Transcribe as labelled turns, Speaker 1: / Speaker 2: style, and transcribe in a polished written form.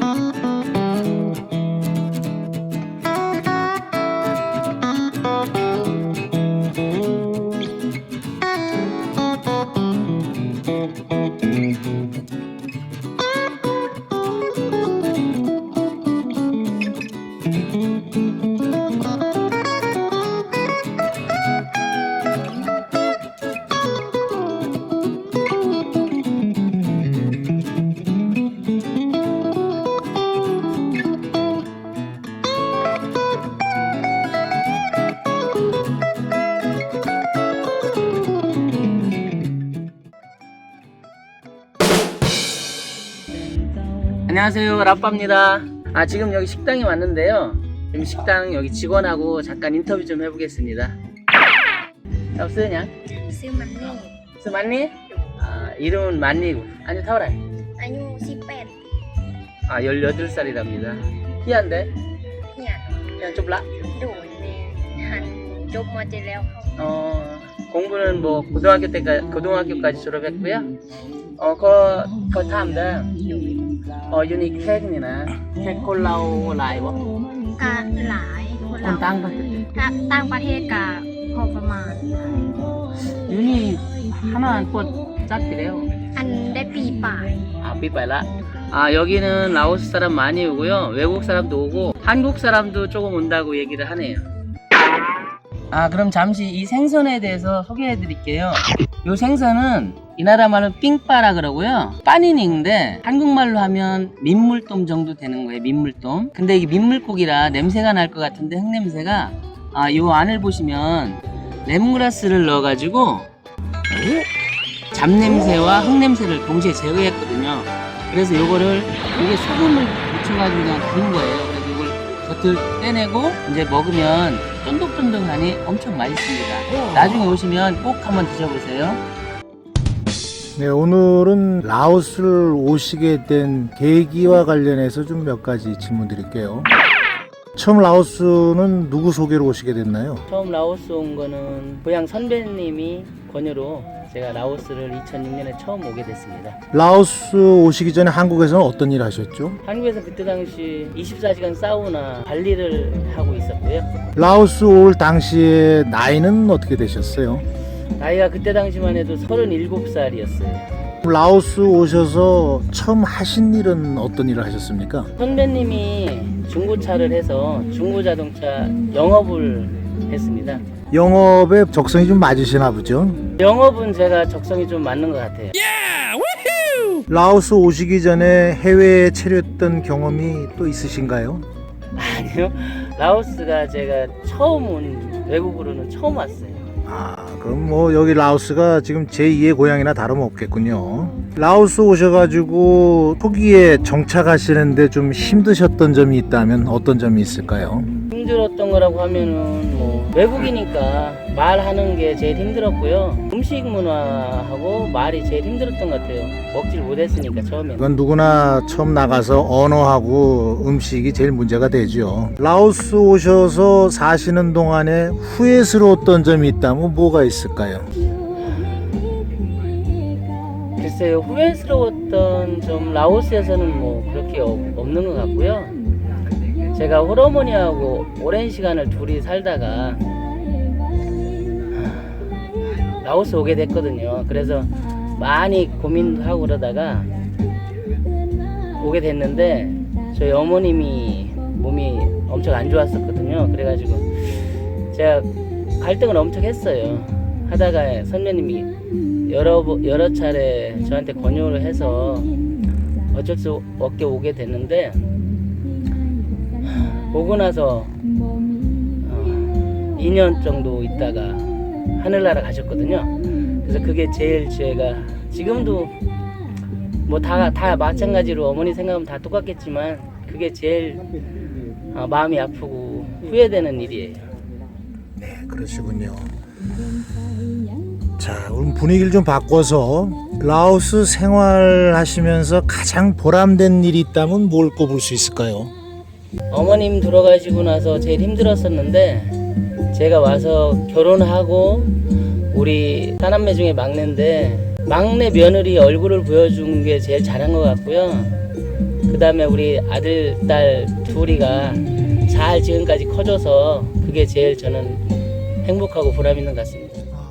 Speaker 1: 안녕하세요, 라빠입니다. 지금 여기 식당에 왔는데요. 지금 식당 여기 직원하고 잠깐 인터뷰 좀 해보겠습니다. Sao xưa nhỉ?
Speaker 2: Sư Manni.
Speaker 1: Sư Manni? 이름은 만니고. 아니, 타오라.
Speaker 2: Anyu Sipet.
Speaker 1: 18살이랍니다. 희한데?
Speaker 2: Nhà
Speaker 1: 그냥 좀 라?
Speaker 2: đuổi nè. Hành chụp mà chị leo không?
Speaker 1: 공부는 뭐 고등학교까지 졸업했고요. có tham đó. 유니 캔이나 캔 콜라오 라이버.
Speaker 2: Cả lại của
Speaker 1: 건
Speaker 2: เรา
Speaker 1: 땅 받을
Speaker 2: tăng ประเทศกับพอประมาณ
Speaker 1: 유니 하나 안 꽂 짝이래요.
Speaker 2: อันได้ปีป่าย
Speaker 1: 삐빠라. 여기는 라오스 사람 많이 오고요. 외국 사람도 오고 한국 사람도 조금 온다고 얘기를 하네요. 그럼 잠시 이 생선에 대해서 소개해 드릴게요. 이 생선은 이 나라 말은 삥빠라 그러고요. 빠니닝인데 한국말로 하면 민물돔 정도 되는 거예요. 민물돔. 근데 이게 민물고기라 냄새가 날 것 같은데 흙냄새가 요 안을 보시면 레몬그라스를 넣어가지고 잡냄새와 흙냄새를 동시에 제거했거든요. 그래서 요거를 이게 소금을 묻혀가지고 그냥 구운 거예요. 그래서 이걸 겉을 떼내고 이제 먹으면 쫀득쫀득하니 엄청 맛있습니다. 나중에 오시면 꼭 한번 드셔보세요.
Speaker 3: 네, 오늘은 라오스를 오시게 된 계기와 관련해서 좀 몇 가지 질문 드릴게요. 처음 라오스는 누구 소개로 오시게 됐나요?
Speaker 1: 처음 라오스 온 거는 고향 선배님이 권유로 제가 라오스를 2006년에 처음 오게 됐습니다.
Speaker 3: 라오스 오시기 전에 한국에서는 어떤 일 하셨죠?
Speaker 1: 한국에서 그때 당시 24시간 사우나 관리를 하고 있었고요.
Speaker 3: 라오스 올 당시에 나이는 어떻게 되셨어요?
Speaker 1: 나이가 그때 당시만 해도 37살이었어요.
Speaker 3: 라오스 오셔서 처음 하신 일은 어떤 일을 하셨습니까?
Speaker 1: 선배님이 중고차를 해서 중고자동차 영업을 했습니다.
Speaker 3: 영업에 적성이 좀 맞으시나 보죠?
Speaker 1: 영업은 제가 적성이 좀 맞는 것 같아요.
Speaker 3: 라오스 오시기 전에 해외에 체류했던 경험이 또 있으신가요?
Speaker 1: 아니요. 라오스가 제가 처음 온 외국으로는 처음 왔어요.
Speaker 3: 그럼 뭐 여기 라오스가 지금 제2의 고향이나 다름없겠군요. 라오스 오셔가지고 초기에 정착하시는데 좀 힘드셨던 점이 있다면 어떤 점이 있을까요?
Speaker 1: 힘들었던 거라고 하면은 뭐 외국이니까 말하는 게 제일 힘들었고요. 음식 문화하고 말이 제일 힘들었던 것 같아요. 먹질 못했으니까 처음에는.
Speaker 3: 이건 누구나 처음 나가서 언어하고 음식이 제일 문제가 되죠. 라오스 오셔서 사시는 동안에 후회스러웠던 점이 있다면 뭐가 있을까요?
Speaker 1: 글쎄요, 후회스러웠던 점 라오스에서는 뭐 그렇게 없는 것 같고요. 제가 홀어머니하고 오랜 시간을 둘이 살다가 라오스 오게 됐거든요. 그래서 많이 고민도 하고 그러다가 오게 됐는데 저희 어머님이 몸이 엄청 안 좋았었거든요. 그래가지고 제가 갈등을 엄청 했어요. 하다가 선배님이 여러 차례 저한테 권유를 해서 어쩔 수 없게 오게 됐는데 오고 나서 2년 정도 있다가 하늘나라 가셨거든요. 그래서 그게 제일 제가 지금도 뭐 다 마찬가지로 어머니 생각하면 다 똑같겠지만 그게 제일 마음이 아프고 후회되는 일이에요.
Speaker 3: 네, 그러시군요. 자, 오늘 분위기를 좀 바꿔서 라오스 생활하시면서 가장 보람된 일이 있다면 뭘 꼽을 수 있을까요?
Speaker 1: 어머님 돌아가시고 나서 제일 힘들었었는데 제가 와서 결혼하고 우리 사남매 중에 막내인데 막내 며느리 얼굴을 보여준 게 제일 잘한 것 같고요. 그 다음에 우리 아들, 딸 둘이가 잘 지금까지 커져서 그게 제일 저는 행복하고 보람 있는 것 같습니다.